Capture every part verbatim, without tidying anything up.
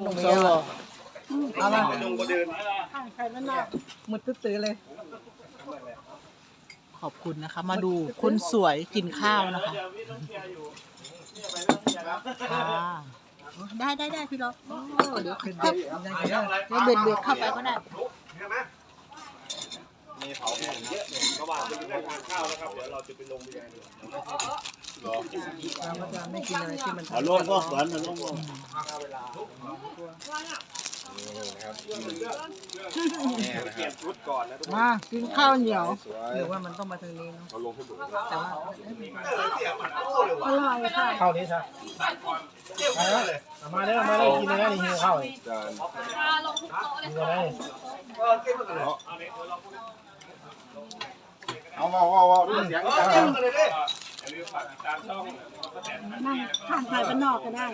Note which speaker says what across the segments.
Speaker 1: ลงเมียเอาละมุดตื้อเลยขอบคุณนะคะมาดูคนสวยกินข้าวนะคะได้ได้ได้พี่ล็อกเดี๋ยวเบ็ดเดี๋ยวเบ็ดเบ็ดเข้าไปก็ได้
Speaker 2: มีเผาแห้งเยอะระหว่างไปนั่งทานข้าวแล้วครับเดี๋ยวเราจะไปลงเรือเรา
Speaker 1: ก็จะไม่กินอะไรที่มัน
Speaker 3: ลงก็สวนลงก็
Speaker 1: มากินข้าวเหนียวหรือว่ามันต้องมาทางนี้เนาะแต่ว่าอร่อยค่ะ
Speaker 4: ข้าวนี้ใช่มาเด้อมาเด้อกินเลยนะนี่หิวข้าวเลยกินเลย
Speaker 2: เอาเอาเอาเอาดูเสียงดังเลยดิ
Speaker 1: นั่งทานไข่บ้านนอกก็ได้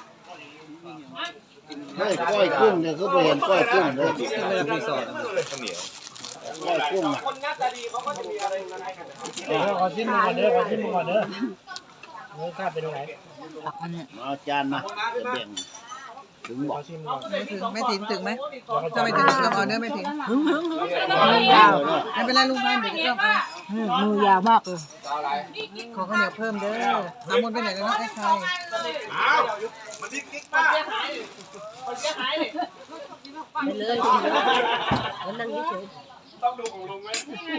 Speaker 3: ไม่ก้อยกุ้งเนี่ยเขาไปเห็นก้อยกุ้งเลยรีสอร์ทข้าวเหนียวก้อยกุ้ง
Speaker 2: คนหน้าตาดีเขาก็จะมีอะไรมาให้กัน
Speaker 4: เดี๋ยวขอชิมก่อนเด้อขอชิมก่อนเด้อเนื้อข้าวเป็นยังไง
Speaker 3: เอาจานมาจะแบ่งถึงบอก
Speaker 1: ไม่ถึงไม่ถึงถึงไหมจะไม่ถึงเราเอาเนื้อไม่ถึงมือยาวไม่เป็นไรลุงพันเดี๋ยวจะต้องมือยาวมากเลยขอข้าวเหนียวเพิ่มเด้อสามมนไปไหนกันนะไอ้ใคร
Speaker 2: มันดิ๊กกิ๊กป้าคนเสียหายเลย
Speaker 1: ไปเลยแล้วนั่งเฉย
Speaker 2: ต้องดูของลุงไหม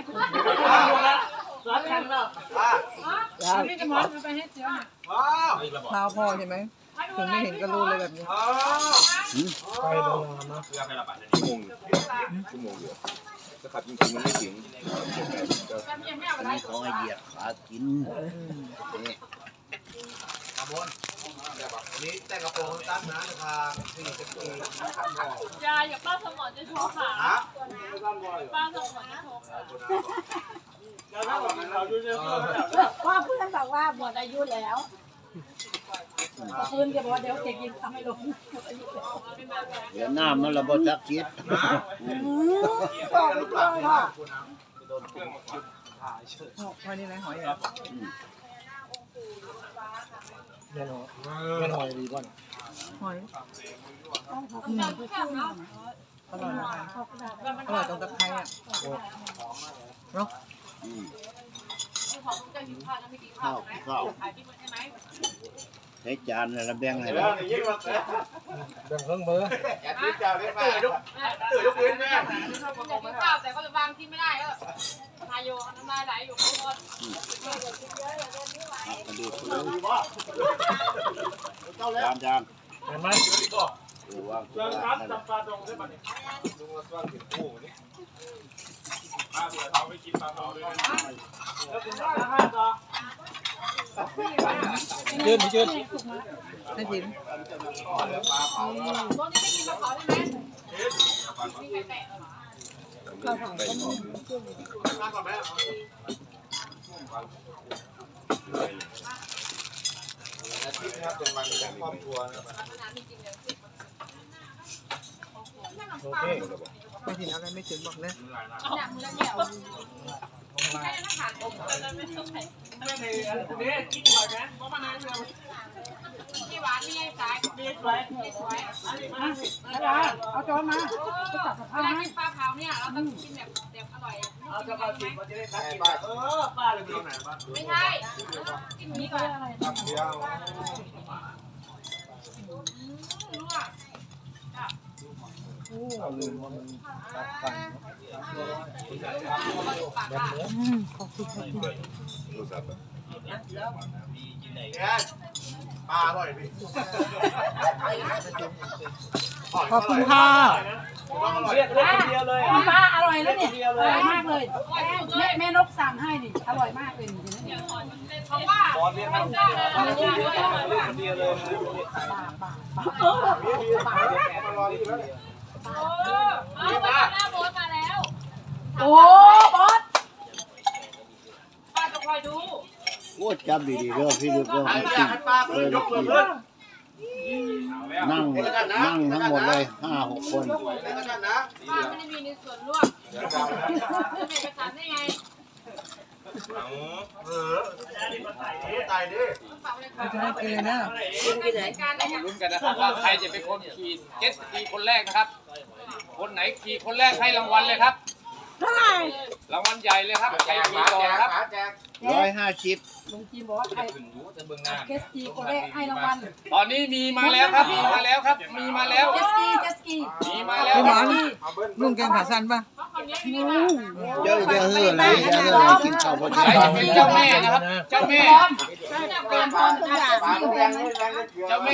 Speaker 2: ร้านแข่งแล้ว
Speaker 1: นี่จะมอนไปให้เจ้าข้าวพอใช่ไหมถึงไม่เห็นก็รู้เลยแบบนี้
Speaker 4: ไปโดนมา
Speaker 2: เพื่อให้ระบาดในชั่วโมงชั่วโมงเดียวจะขับจริงๆมันไม่ถึง
Speaker 3: เขาให้เหยียบขากิน
Speaker 2: นี่แต่งกระโปรงตั้งนะนะครับสี่สิบปี
Speaker 5: ยายอย่าป้าสมอนจะโชว์ขาป้าสมอนจะโชว์ขา
Speaker 1: ว่าเพื่อนบอกว่าหมดอายุแล้วเพื่อนจะบอกว่าเดี๋ยวเก็บกินทำให้ลง
Speaker 3: เดี๋ยวน้ำมันระเบิดจักคิด
Speaker 1: บอกไม่ได้ค่ะพอนี่นะหอยเหรอ
Speaker 4: แน่นอนแน่นอนดีก่อน
Speaker 1: หอยอร่อยนะคะอร่อยตรงตะไคร้อ่ะเนาะ
Speaker 3: ข้าวข้าวใช้จานแล้วแบ่งให้เรา
Speaker 4: แบ่งเครื่องเบอร์
Speaker 2: อย่าทิ้งเจ้าได้ไหมตื่นลุกตื่นลุกพื้นแม่
Speaker 5: ข้าวแต่ก็บางที่ไม่ได้ก็ทายโยน้ำลายไหลอยู่ข้างบน
Speaker 3: จานจาน
Speaker 4: เห็นไหม
Speaker 3: ดูว่า
Speaker 2: เรื่องรับจับปลาดงได้ป่ะเนี่ยลุงมาสร้างถึงคู่นี่ปลาเสือเขาไม่กินปลาเผาด้วยแล้วคุณได้ห้าต่อ
Speaker 4: เดินไปเดิน
Speaker 1: ไม่ถึง
Speaker 5: ตัวนี้ไม่กินปลาเผาใช่ไหมมีใครแตะ
Speaker 1: ข้าวเผาก็มี
Speaker 2: มาก่อนไหมอาทิตย์นะครับเป็นวันของครอบครัว
Speaker 4: โอเค
Speaker 1: ไม่ถึงอะไรไม่ถึงบอกเลย
Speaker 5: หนักมือแล้วเดี่ยวให้นักข่าวผมไม่ต้องใส่
Speaker 2: ไม่ได้เนี่ยกินหอยไหมเพราะมันน้ำเรือ
Speaker 5: ที่หวานนี่สายดีสวยดีสวย
Speaker 1: เอาจอนมา
Speaker 5: เวลากินปลาเผาเนี่ยเราต้องกินแบบแบบอร่อย
Speaker 2: เอาจะมากินมันจะได้ทักกินเออป้าเลยดีไหนบ้าง
Speaker 5: ไม่ใช่กินนี้ก่อน
Speaker 2: เดียว
Speaker 5: รู้อ่ะ
Speaker 4: เอาลืมมันตัดฟันแบบนี้
Speaker 1: ขอบคุณค่ะ
Speaker 2: ปลาอร่อยพี่
Speaker 1: ขอบคุณค่ะ
Speaker 2: เรียกเรียกคนเดียวเลย
Speaker 6: ปลาอร่อยแล้วเนี่ยอร่อยมากเลยแม่แม่นกสั่งให้นี่อร่อยมากเลยนี่
Speaker 5: เพราะว่า
Speaker 2: บอลเรียกคนเดียวเลยเรียกคนเดียวเลย
Speaker 5: โอ้เอาไปหน้าโบสมาแล้ว
Speaker 6: โอ้บอส
Speaker 5: ป้าจะคอยดู
Speaker 3: โอ้จำดีๆเด้อพี่ลึกเด้อจริงเออนั่งนั่งทั้งหมดเลยห้าหกคน
Speaker 5: ป้าไม่ได้มีในส่วนร่วมจะเป็นเอกสารได้ไง
Speaker 2: เออตายดิ
Speaker 1: เราจะให้กินเลยนะ
Speaker 7: ลุ้นกันนะครับว่าใครจะเป็นคนขี่เจ็ตสกีคนแรกนะครับ คนไหนขี่คนแรกให้รางวัลเลยครับเท่าไหร่รางวัลใหญ่เลยครับใหญ่ขี่ก่อนครับ
Speaker 3: ร้อยห้าสิบ
Speaker 6: ลุงจีนบอกว่าใครเคสกีคนแรกให้รางวัล
Speaker 7: ตอนนี้มีมาแล้วครับมีมาแล้วครับ มีมาแล้ว
Speaker 6: เจสกีเจสกี
Speaker 7: มีมาแล้ว
Speaker 1: พี่ห
Speaker 7: ค
Speaker 1: ม
Speaker 7: รั
Speaker 1: อบ นลุงแกงขาสั้นป่ะ
Speaker 3: เจ้าจะเฮืออะไรจะเฮืออะไรกินข้าวบน
Speaker 7: ใครจะเป็นเจ้าแม่นะครับ เจ้าแม่
Speaker 6: เตรียมพร้อมทุกอย่างมีแบงค์
Speaker 7: เจ้าแม่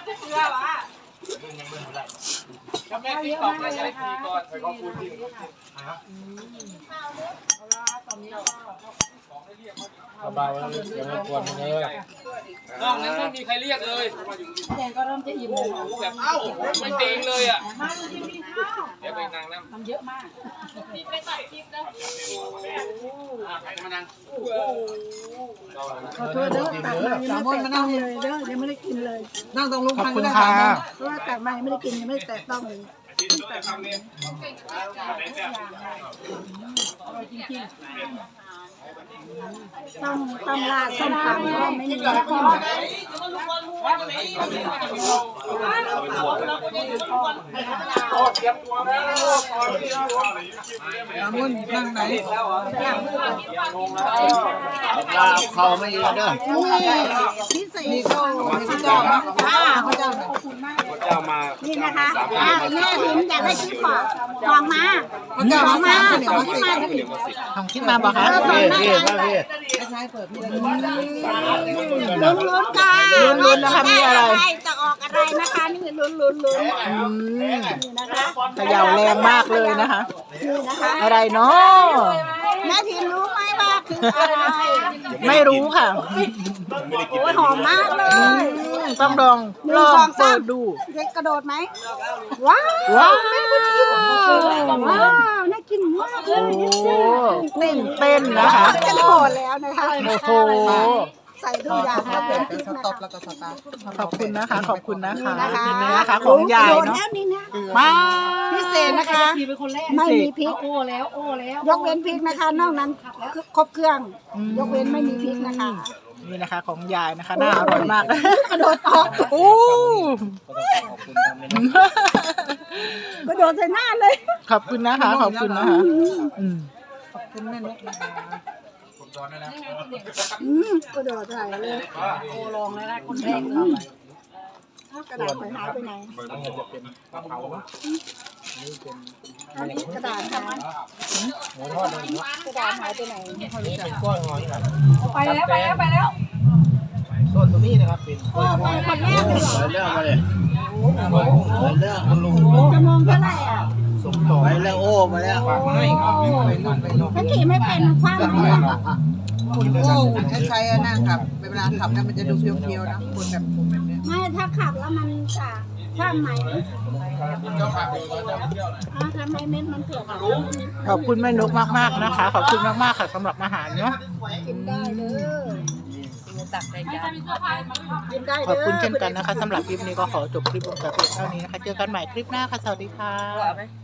Speaker 7: เจ้าแม่ติ๊กต็อกได้ใช้ขี่ก่อน
Speaker 2: ขอบคุณที่
Speaker 4: เบาๆแล้วอย่ามากวนมันเลย
Speaker 7: นอกนั้นไม่มีใครเรียกเลย
Speaker 6: แดงก็เริ่มจะอิ่มเลยนะ
Speaker 7: แบบเอ้าไม่ติงเลยอ่ะ
Speaker 6: มาดูทีวีข้าว
Speaker 7: เดี๋ยวไปนั่งน้ำ
Speaker 6: ทำเยอะมาก
Speaker 5: มีไปตัดคลิปนะ
Speaker 7: ใครมานั่ง
Speaker 4: ขอโทษเด้อตัดมา
Speaker 1: สามมนมานั่ง
Speaker 4: เลยเด้อยังไม่ได้กินเลย
Speaker 1: นั่งตรงลุง
Speaker 4: ขอบ
Speaker 1: พัน
Speaker 4: คุ
Speaker 1: ก็
Speaker 4: ณ
Speaker 1: ได้
Speaker 4: ค่ะ
Speaker 1: สามมน
Speaker 4: เพราะว่าตัดมายังไม่ได้กินยังไม่ได้แตะต้องเลย ต้องต้องลาดส้มตำเพราะว่าไม่มีน้ำจิ้ม
Speaker 1: สามมนนั่งไหน
Speaker 3: ลาเขาไม่เยอะเด้อ
Speaker 1: มีข้าวมีข้าวเจ้าไหมข้าวเจ้าไหน
Speaker 2: เจ้ามา
Speaker 8: นี่นะคะอ่ะแม่พิมอยากได้ชิ้นฟองฟองมา
Speaker 1: ข้าวเจ้ามาสามข้าวเหนียวมาสิ
Speaker 4: ของคิดมาบอกคะ
Speaker 3: พี่พี่มาพี่
Speaker 1: ไม่ใช่เปิดพี่เลย
Speaker 8: ลุ้นลุ้นๆกันลุ้นนะคะมีอะไรจะออกอะไรนะคะนี่ลุ้นลุ้นลุ้นนี่นะคะ
Speaker 4: เขย่าแรงมากเลยนะคะ
Speaker 8: นี่นะคะ
Speaker 4: อะไรเนาะ
Speaker 8: แม่พิมรู้ไหมว่าคืออะไร
Speaker 4: ไม่รู้ค่ะ
Speaker 8: โอ้ยหอมมากเลย
Speaker 4: ต้องลองลองเปิดดู
Speaker 8: เด็กกระโดดไหมว้าว
Speaker 4: ว้าว
Speaker 8: ว้าวน่ากินมากเล
Speaker 4: โอ้
Speaker 8: ย
Speaker 4: เต้นเต้นนะคะ
Speaker 8: กระโดดแล้วนะคะ
Speaker 4: โอ้โห
Speaker 8: ใส่ทุกอย่าง
Speaker 1: พอ
Speaker 8: มา
Speaker 1: เป็
Speaker 8: เป็น น
Speaker 1: ส
Speaker 8: พริกนะ
Speaker 1: ต็อป
Speaker 8: คะ
Speaker 1: แล้วก็สตาร์ท
Speaker 4: ขอบคุณนะคะ ขอบคุณนะคะ
Speaker 8: นะคะ
Speaker 4: เห็นไหมนะคะของยาย
Speaker 8: โดด
Speaker 4: เนาะ
Speaker 8: แล้วนี่นะ
Speaker 4: มา
Speaker 8: พิเศษนะคะ
Speaker 6: พีเป็นคนแรก
Speaker 8: ไม่มีพริก
Speaker 6: โอ้แล้วโอ้แล้ว
Speaker 8: ยกเว้นพริกนะคะ นอกนั้นครบเครื่อง ยกเว้นไม่มีพริกนะคะ
Speaker 4: นี่นะคะของยายนะคะน่าอร่อยมาก
Speaker 8: กระโดดออก
Speaker 4: โอ้
Speaker 8: กระโดดใส่หน้าเลย
Speaker 4: ขอบคุณนะคะ ขอบคุณนะคะอืม
Speaker 1: ขอบคุณแม่นกนะคะ
Speaker 8: อืมกระโดดใส่เลย
Speaker 6: โอ้ลองแล้วนะคนแรก
Speaker 8: กระดาษไปหายไปไหนอันนี้กระดาษหายกระดาษหายไปไหน
Speaker 6: ไปแล้วไปแล้วไปแล้ว
Speaker 3: ต้นตรงนี้นะครับเป็น
Speaker 8: โอ้ไปคนแรกเลยเหรอ
Speaker 3: ไปเรื่องมาเลยไปเรื่องคุณลุง
Speaker 8: จะมองเท่าไหร่อ่ะ
Speaker 3: ส่งต่อไปแล้วโอ้มาแล้ว
Speaker 1: ไม่ไปรุ่นไปลง
Speaker 8: ถ้าขี่ไม่เป็นคว้างไหมอ่ะ
Speaker 1: คุณโอ้คุณใช้ๆนั่งขับเวลาขับเนี่ยมันจะดูเพียวๆนะคุณแบบผมแบบเนี้ย
Speaker 8: ไม่ถ้าขับแล้วมันจะคว้างไหมอ้าวทำไมเม็ดมันเผือกอ่ะ
Speaker 4: ขอบคุณแม่นกมากๆนะคะ ขอบคุณมากๆค่ะสำหรับอาหารเนาะ
Speaker 8: กินได้เด้อ
Speaker 5: ไม่จะมีเสื้อผ้ามัน
Speaker 8: กินได้
Speaker 4: ขอบ
Speaker 8: เด้อ
Speaker 4: คุณเช่นกันนะคะสำหรับคลิปนี้ก็ขอจบคลิปลงแต่เพียงเท่านี้นะคะ เจอกันใหม่คลิปหน้าค่ะ สวัสดีค่ะ